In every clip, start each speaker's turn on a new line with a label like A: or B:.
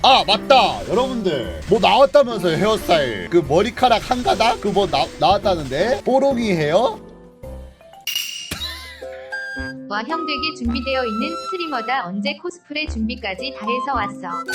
A: 아 맞다 여러분들 뭐 나왔다면서요. 헤어스타일 그 머리카락 한 가닥 그 뭐 나왔다는데 뽀롱이 헤어?
B: 와 형 되게 준비되어 있는 스트리머다. 언제 코스프레 준비까지 다 해서 왔어.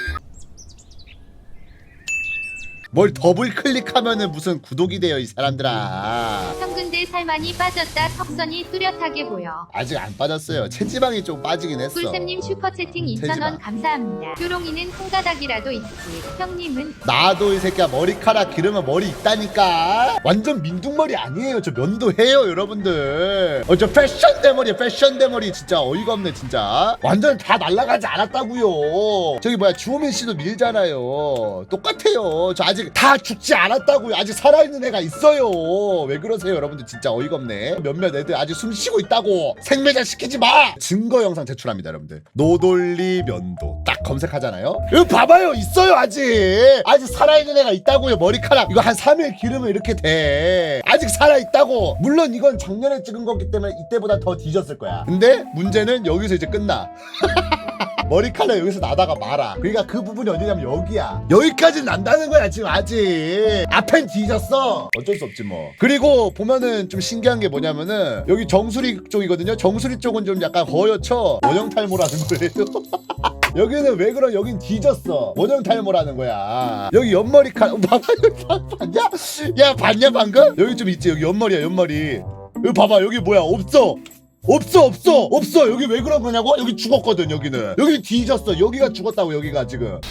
A: 뭘 더블 클릭하면은 무슨 구독이 돼요 이 사람들아.
B: 형 근데 살 많이 빠졌다. 턱선이 뚜렷하게 보여.
A: 아직 안 빠졌어요. 체지방이 좀 빠지긴 했어.
B: 꿀쌤님 슈퍼채팅 2,000원
A: 체지방.
B: 감사합니다. 효롱이는 손가락이라도 있지. 형님은
A: 나도 이 새끼야 머리카락 기르면 머리 있다니까. 완전 민둥머리 아니에요. 저 면도해요 여러분들. 저 패션 대머리 패션 대머리 진짜 어이가 없네 진짜. 완전 다 날아가지 않았다고요. 저기 뭐야 주호민 씨도 밀잖아요. 똑같아요. 저 아직 다 죽지 않았다고요. 아직 살아있는 애가 있어요. 왜 그러세요 여러분들. 진짜 어이가 없네. 몇몇 애들 아직 숨 쉬고 있다고. 생매장 시키지 마. 증거 영상 제출합니다 여러분들. 노돌리 면도 딱 검색하잖아요. 이거 봐봐요 있어요. 아직 살아있는 애가 있다고요. 머리카락 이거 한 3일 기르면 이렇게 돼. 아직 살아있다고. 물론 이건 작년에 찍은 거기 때문에 이때보다 더 뒤졌을 거야. 근데 문제는 여기서 이제 끝나. 머리카락 여기서 나다가 말아. 그러니까 그 부분이 어디냐면 여기야. 여기까지 난다는 거야 지금 아직. 앞엔 뒤졌어. 어쩔 수 없지 뭐. 그리고 보면은 좀 신기한 게 뭐냐면은 여기 정수리 쪽이거든요. 정수리 쪽은 좀 약간 거여쳐. 원형 탈모라는 거예요. 여기는 왜 그러? 여긴 뒤졌어. 원형 탈모라는 거야. 여기 옆머리카락 봐봐. 봤냐? 야 봤냐 방금? 여기 좀 있지. 여기 옆머리야 옆머리. 여기 봐봐 여기 뭐야 없어. 없어 여기 왜 그런 거냐고? 여기 죽었거든. 여기는 여기 뒤졌어. 여기가 죽었다고. 여기가 지금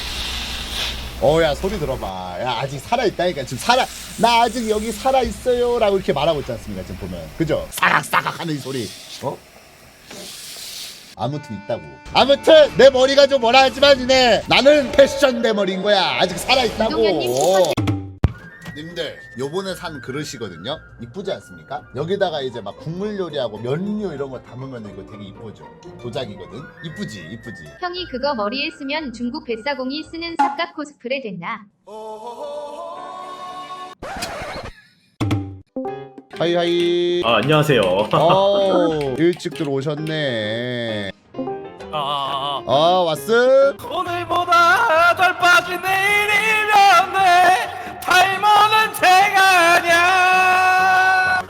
A: 야 소리 들어봐. 야 아직 살아있다니까. 지금 나 아직 여기 살아있어요 라고 이렇게 말하고 있지 않습니까 지금 보면. 그죠? 사각사각 하는 이 소리. 아무튼 있다고. 아무튼 내 머리가 좀 뭐라 하지만 나는 패션 대머리인 거야. 아직 살아있다고.
B: 이동현님 슈퍼챗
A: 님들 요번에 산 그릇이거든요. 이쁘지 않습니까? 여기다가 이제 막 국물 요리하고 면류 이런 거 담으면 이거 되게 이쁘죠. 도자기거든. 이쁘지.
B: 형이 그거 머리에 쓰면 중국 뱃사공이 쓰는 삽각 코스프레 됐나?
A: 하이하이.
C: 안녕하세요.
A: 일찍 들어오셨네. 왔어?
D: 오늘보다 덜 빠진 내일이면 돼. 탈모는 제가 아냐.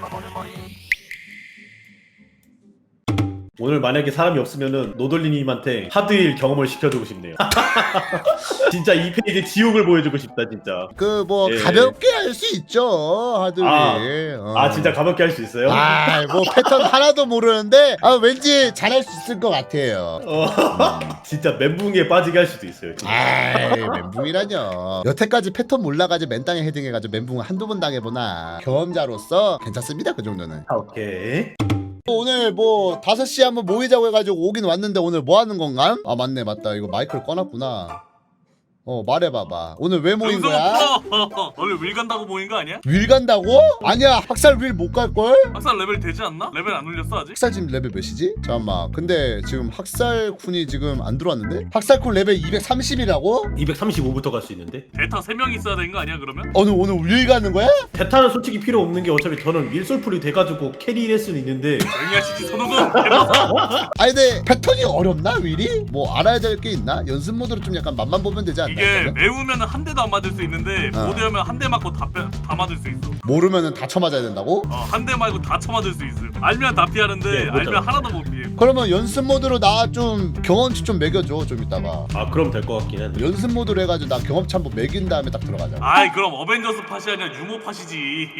C: 오늘 만약에 사람이 없으면은 노돌리님한테 하드일 경험을 시켜주고 싶네요. 진짜 이 페이지 지옥을 보여주고 싶다 진짜.
A: 그 뭐
C: 예.
A: 가볍게 할 수 있죠 하들이.
C: 진짜 가볍게 할 수 있어요?
A: 뭐 패턴 하나도 모르는데 왠지 잘할 수 있을 것 같아요.
C: 진짜 멘붕에 빠지게 할 수도 있어요. 진짜.
A: 멘붕이라뇨. 여태까지 패턴 몰라가지고 맨땅에 헤딩해가지고 멘붕 한두 번 당해보나. 경험자로서 괜찮습니다 그 정도는.
C: 오케이.
A: 오늘 뭐 5시에 한번 모이자고 해가지고 오긴 왔는데 오늘 뭐 하는 건가? 맞네 맞다. 이거 마이크를 꺼놨구나. 말해봐봐. 오늘 왜 모인 거야?
D: 원래 윌 간다고 모인 거 아니야?
A: 윌 간다고? 아니야 학살 윌 못 갈걸?
D: 학살 레벨 되지 않나? 레벨 안 올렸어 아직?
A: 학살 지금 레벨 몇이지? 잠깐만. 근데 지금 학살쿤이 지금 안 들어왔는데? 학살쿤 레벨 230이라고?
C: 235부터 갈 수 있는데
D: 데이터 3명 있어야 되는 거 아니야 그러면?
A: 오늘 윌 가는 거야?
C: 대타는 솔직히 필요 없는 게 어차피 저는 윌솔풀이 돼가지고 캐리할 수는 있는데
D: 조용히 하시지 손오공.
A: 아니 근데 패턴이 어렵나 윌이? 뭐 알아야 될 게 있나? 연습 모드로 좀 약간 맛만 보면 되지 않나?
D: 이게 매우면 한 대도 안 맞을 수 있는데 모드하면 한 대 맞고 다 맞을 수 있어.
A: 모르면은 다 쳐맞아야 된다고?
D: 한 대 말고 다 쳐맞을 수 있어. 알면 다 피하는데
C: 네, 못
D: 알면
C: 잡아.
D: 하나도 못 피해.
A: 그러면 연습 모드로 나 좀 경험치 좀 매겨줘 좀 이따가.
C: 그럼 될 것 같긴 한데.
A: 연습 모드로 해가지고 나 경험치 한번 매긴 다음에 딱 들어가자.
D: 아이 그럼 어벤져스 팟이 아니라 유모 팟이지.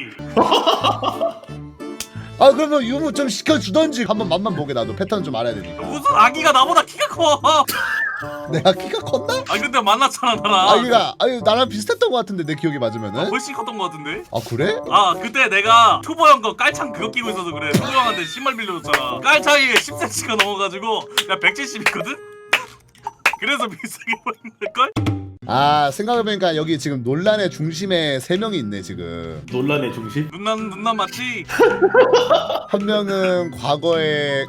A: 그러면 유무 좀 시켜주던지. 한번 맛만 보게. 나도 패턴 좀 알아야 되니까.
D: 무슨 아기가 나보다 키가 커.
A: 내가 키가 컸나?
D: 근데 만났잖아 나랑.
A: 나랑 비슷했던 것 같은데 내 기억이 맞으면은.
D: 훨씬 컸던 것 같은데?
A: 그래?
D: 그때 내가 초보형 거 깔창 그거 끼고 있어서 그래. 초보형한테 신발 빌려줬잖아. 깔창이 10cm가 넘어가지고 나 170이거든? 그래서 비싸게 보이는 걸걸?
A: 생각해보니까 여기 지금 논란의 중심에 3명이 있네 지금.
C: 논란의 중심?
D: 눈남 맞지?
A: 한 명은 과거에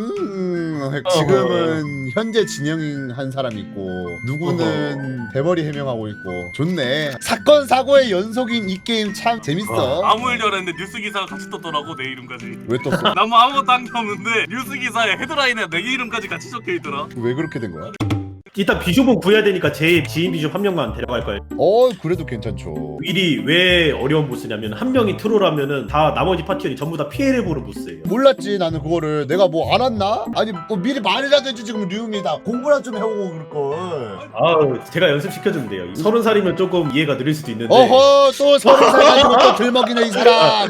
A: 지금은 현재 진영한 사람이 있고, 누구는 대머리 해명하고 있고. 좋네. 사건 사고의 연속인 이 게임 참 재밌어.
D: 아무 일도 안 했는데 뉴스 기사가 같이 떴더라고 내 이름까지.
A: 왜 떴어?
D: 난 뭐 아무것도 한 게 없는데 뉴스 기사에 헤드라인에 내 이름까지 같이 적혀있더라.
A: 왜 그렇게 된 거야?
C: 일단 비숍은 구해야 되니까 제 지인 비숍 한 명만 데려갈 거예요.
A: 그래도 괜찮죠.
C: 윌이 왜 어려운 보스냐면 한 명이 트롤하면은 다 나머지 파티원이 전부 다 피해를 보는 보스예요.
A: 몰랐지 나는 그거를. 내가 뭐 알았나? 아니 뭐 미리 말이라도 해주지. 지금 류입니다. 공부나 좀 해오고 그럴걸.
C: 아우 제가 연습시켜주면 돼요. 30살이면 조금 이해가 느릴 수도 있는데
A: 어허 또 30살 가지고 또 들먹이네 이 사람.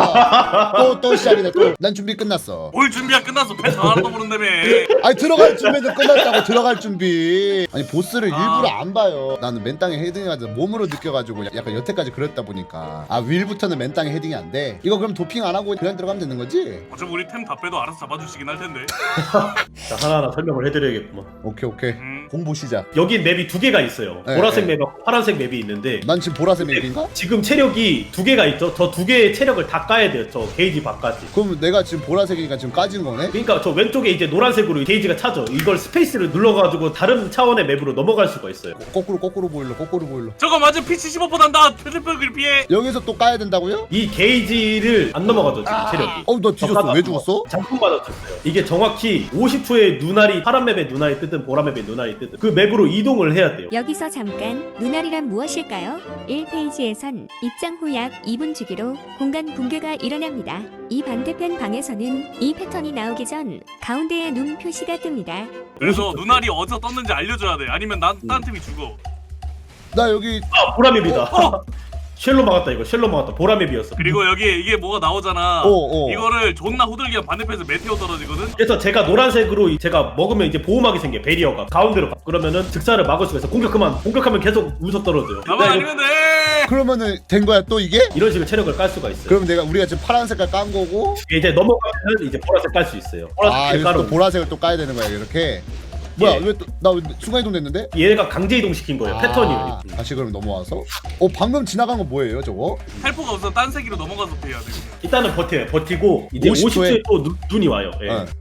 A: 또 시작이네 또. 난 준비 끝났어.
D: 뭘 준비가 끝났어. 패스 하나도 모른다며.
A: 아니 들어갈 준비는 끝났다고. 들어갈 준비. 아니 보스를 일부러 안 봐요. 나는 맨 땅에 헤딩해가지고 몸으로 느껴가지고 약간 여태까지 그랬다 보니까 윌부터는 맨 땅에 헤딩이 안 돼. 이거 그럼 도핑 안 하고 그냥 들어가면 되는 거지?
D: 어차피 우리 템 다 빼도 알아서 잡아주시긴 할 텐데.
C: 자, 하나하나 설명을 해드려야겠구만.
A: 오케이. 공부 시작.
C: 여기 맵이 두 개가 있어요.
A: 네,
C: 보라색
A: 네.
C: 맵하고 파란색 맵이 있는데
A: 난 지금 보라색 맵인가?
C: 지금 체력이 두 개가 있죠. 저 두 개의 체력을 다 까야 돼요. 저 게이지 밖까지.
A: 그럼 내가 지금 보라색이니까 지금 까진 거네?
C: 그러니까 저 왼쪽에 이제 노란색으로 게이지가 차죠. 이걸 스페이스를 눌러가지고 다른 차원의 맵으로 넘어갈 수가 있어요.
A: 거꾸로 보일러.
D: 저거 맞아. P75 난다. 패드백을 피해.
A: 여기서 또 까야 된다고요?
C: 이 게이지를 안 넘어가죠 지금 체력이.
A: 너 뒤졌어. 왜 죽었어?
C: 잠깐 맞았었어요. 이게 정확히 50초에 눈알이 파란 맵에 눈알이 뜨든 보라 맵에 눈알이 뜨든 그 맵으로 이동을 해야 돼요.
E: 여기서 잠깐 눈알이란 무엇일까요? 1페이지에선 입장 후 약 2분 주기로 공간 붕괴가 일어납니다. 이 반대편 방에서는 이 패턴이 나오기 전 가운데에 눈 표시가 뜹니다.
D: 그래서 눈알이 어디서 떴는지 알려줘야 돼. 아니면 딴 팀이 죽어.
A: 나 여기
C: 아 보라 맵이다. 쉘로 막았다 이거. 쉘로 막았다. 보라 맵이었어.
D: 그리고 여기 이게 뭐가 나오잖아.
A: 어.
D: 이거를 존나 후들기가 반대편에서 메테오 떨어지거든.
C: 그래서 제가 노란색으로 제가 먹으면 이제 보호막이 생겨. 베리어가 가운데로 가. 그러면은 즉사를 막을 수가 있어. 공격하면 계속 우서 떨어져요.
D: 나만
C: 나 이거
D: 아니면 돼.
A: 그러면은 된 거야 또 이게?
C: 이런 식으로 체력을 깔 수가 있어요.
A: 그럼 우리가 지금 파란 색깔 깐 거고
C: 이제 넘어가면 이제 보라색 깔 수 있어요. 보라색
A: 여기서 또
C: 깔은
A: 보라색을 또 까야 되는 거야 이렇게. 뭐야
C: 예.
A: 왜 또 나 순간 이동 됐는데?
C: 얘가 강제 이동 시킨 거예요. 패턴이.
A: 다시 그럼 넘어와서 방금 지나간 거 뭐예요 저거?
D: 헬프가 없어. 딴 세기로 넘어가서 피해야 돼. 그냥.
C: 일단은 버텨요. 버티고 이제
A: 50초에
C: 50초에 또 눈이 와요. 예.
A: 어.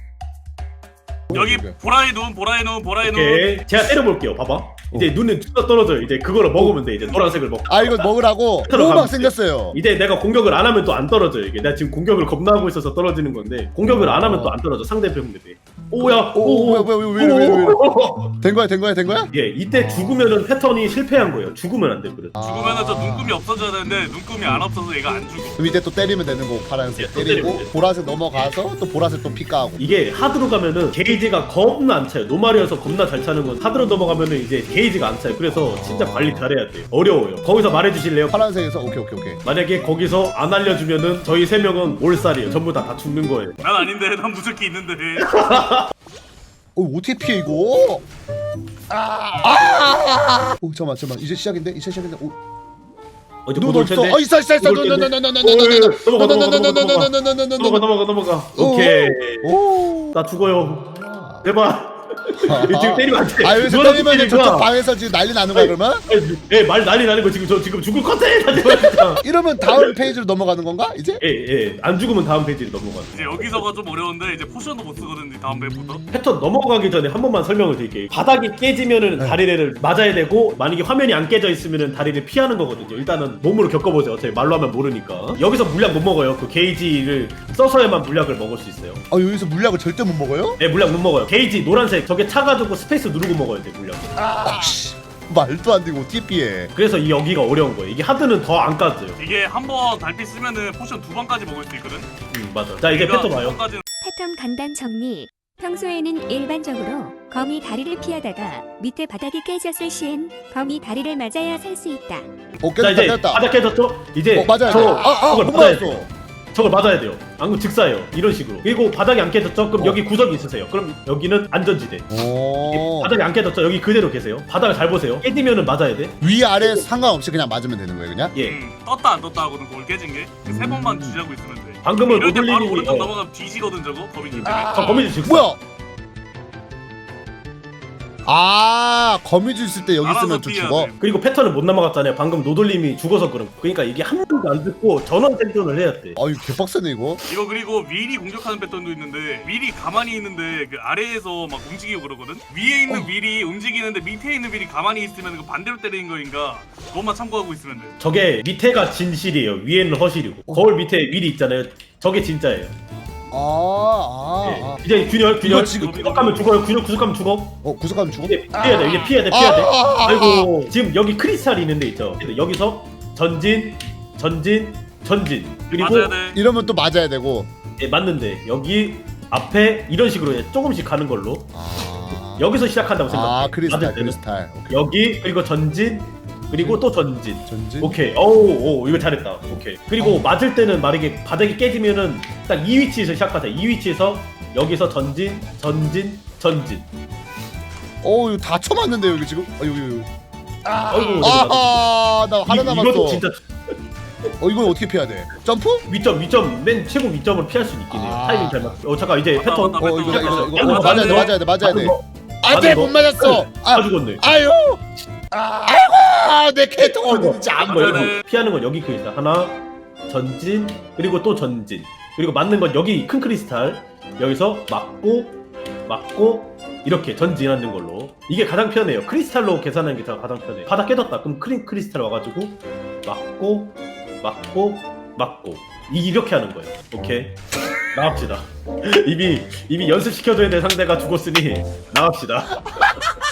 D: 여기
A: 오케이.
D: 보라의 눈.
C: 오케이. 제가 때려볼게요. 봐봐. 이제 눈에 뚜껑 떨어져요. 이제 그거를 먹으면 돼. 이제 노란색을 먹고.
A: 이거 먹으라고
C: 들어가면
A: 호박
C: 돼.
A: 생겼어요.
C: 이제 내가 공격을 안 하면 또 안 떨어져요. 이게 내가 지금 공격을 겁나 하고 있어서 떨어지는 건데 공격을 안 하면 또 안 떨어져. 상대편 맵에. 오야.
A: 왜 된 거야?
C: 예, 이때 죽으면은 패턴이 실패한 거예요. 죽으면 안 돼. 그래.
D: 죽으면은 저 눈금이 없어져야 되는데 눈금이 안 없어서 얘가 안 죽어.
A: 그럼 이때 또 때리면 되는 거고 파란색
C: 예, 또
A: 때리고
C: 때리면 돼.
A: 보라색 넘어가서 또 보라색 또 피까하고.
C: 이게 하드로 가면은 게이지가 겁나 안 차요. 노말이어서 겁나 잘 차는 건 하드로 넘어가면은 이제 게이지가 안 차요. 그래서 진짜 관리 잘해야 돼요. 어려워요. 거기서 말해주실래요?
A: 파란색에서 오케이.
C: 만약에 거기서 안 알려주면은 저희 3명은 올살이에요. 전부 다 죽는 거예요.
D: 난 아닌데. 난 무적기 있는데.
A: 어떻게 피해 이거? 잠깐만 이제 시작인데?
C: 어제
A: 눈
C: 못 올
A: 없어.
C: 텐데.
A: 있어.
C: 넘어가. 오케이.
A: 오.
C: 나 죽어요. 제발. 지금 때리면 안 돼.
A: 여기서
C: 누가
A: 때리면
C: 때리니까.
A: 저쪽 방에서 지금 난리 나는 거야 그러면?
C: 예, 말 난리 나는 거 지금 저 지금 죽을 것 같아.
A: 이러면 다음 페이지로 넘어가는 건가 이제?
C: 예. 안 죽으면 다음 페이지로 넘어가.
D: 이제 여기서가 좀 어려운데 이제 포션도 못 쓰거든. 이 다음 맵부터.
C: 패턴 넘어가기 전에 한 번만 설명을 드릴게요. 바닥이 깨지면은 다리를 맞아야 되고 만약에 화면이 안 깨져 있으면은 다리를 피하는 거거든요. 일단은 몸으로 겪어보세요. 어차피 말로 하면 모르니까. 여기서 물약 못 먹어요. 그 게이지를 써서야만 물약을 먹을 수 있어요.
A: 여기서 물약을 절대 못 먹어요?
C: 네, 물약 못 먹어요. 게이지 노란색 저게 차가지고 스페이스 누르고 먹어야 돼 물약.
A: 말도 안 되고 어떻게 피해?
C: 그래서 이 여기가 어려운 거예요. 이게 하드는 더 안 까져요.
D: 이게 한 번 달빛 쓰면은 포션 2번까지 먹을 수 있거든.
C: 맞아. 자 이제 패턴 와요.
E: 패턴 간단 정리. 평소에는 일반적으로 거미 다리를 피하다가 밑에 바닥이 깨졌을 시엔 거미 다리를 맞아야 살 수 있다.
C: 자 이제
A: 깼다.
C: 바닥 깨졌죠? 이제
A: 맞아야 돼.
C: 저걸
A: 못
C: 맞아야 돼요.
A: 맞았어.
C: 저걸 맞아야 돼요. 안 그럼 즉사예요. 이런 식으로. 그리고 바닥이 안 깨졌죠? 그럼 여기 구석이 있으세요. 그럼 여기는 안전지대.
A: 오.
C: 바닥이 안 깨졌죠? 여기 그대로 계세요. 바닥을 잘 보세요. 깨지면은 맞아야 돼.
A: 위아래 상관없이 그냥 맞으면 되는 거예요 그냥?
C: 예.
D: 떴다 안 떴다 하고는 그걸 깨진 게 세 번만 주지하고 있으면 돼.
C: 방금은
D: 이럴 때 바로
C: 로블린이
D: 오른쪽 넘어가면 뒤지거든 저거 거미줄 때문에.
C: 저 거미줄 즉사.
A: 뭐야? 거미줄 있을 때 여기
D: 알아서
A: 있으면 좀
D: 피해야
A: 죽어.
D: 돼.
C: 그리고 패턴을 못 넘어갔잖아요. 방금 노돌님이 죽어서 그럼. 그러니까 이게 한 번도 안 듣고 전원 생존을 해야 돼.
A: 이거 개빡세네 이거.
D: 이거 그리고 윌이 공격하는 패턴도 있는데 윌이 가만히 있는데 그 아래에서 막 움직이고 그러거든. 위에 있는 윌이 움직이는데 밑에 있는 윌이 가만히 있으면 그 반대로 때리는 거인가 그것만 참고하고 있으면 돼.
C: 저게 밑에가 진실이에요. 위에는 허실이고. 거울 밑에 윌이 있잖아요. 저게 진짜예요. 이제 균열
A: 이거 지금
C: 구속하면 죽어요. 구속하면 죽어.
A: 구속하면 죽어?
C: 이제 피해야 돼. 이제 피해야 돼. 아이고 지금 여기 크리스탈이 있는데 있죠. 여기서 전진 그리고
D: 맞아야 돼.
A: 이러면 또 맞아야 되고.
C: 예, 맞는데 여기 앞에 이런 식으로 이제 조금씩 가는 걸로 여기서 시작한다고 생각해.
A: 크리스탈
C: 맞을 때는.
A: 크리스탈. 오케이.
C: 여기 그리고 전진 그리고 또 전진.
A: 전진.
C: 오케이. 오 이거 잘했다. 오케이. 그리고 맞을 때는 만약에 바닥이 깨지면은 딱 이 위치에서 시작하세요. 이 위치에서 여기서 전진.
A: 이거 다 쳐맞는데 여기 지금. 여기.
C: 아이고.
A: 나 하나 남았어.
C: 이것도 진짜
A: 이건 어떻게 피해야 돼? 점프?
C: 위점 맨 최고 위점을 피할 수 있긴 해요. 타이밍 잘 맞. 잠깐 이제
D: 맞다,
C: 패턴.
D: 맞다.
A: 이거 맞아야 돼.
C: 맞는 거.
A: 안돼 못 맞았어.
C: 다 죽었네.
A: 아유. 아이고 내 캐릭터가 어디지 안 보여.
C: 피하는 건 여기 크리스탈 하나 전진 그리고 또 전진 그리고 맞는 건 여기 큰 크리스탈 여기서 맞고 이렇게 전진하는 걸로 이게 가장 편해요. 크리스탈로 계산하는 게 가장 편해. 바닥 깨졌다 그럼 크리스탈 와가지고 맞고 이렇게 하는 거예요. 오케이 나갑시다. 이미 연습시켜줘야 될 상대가 죽었으니 나갑시다.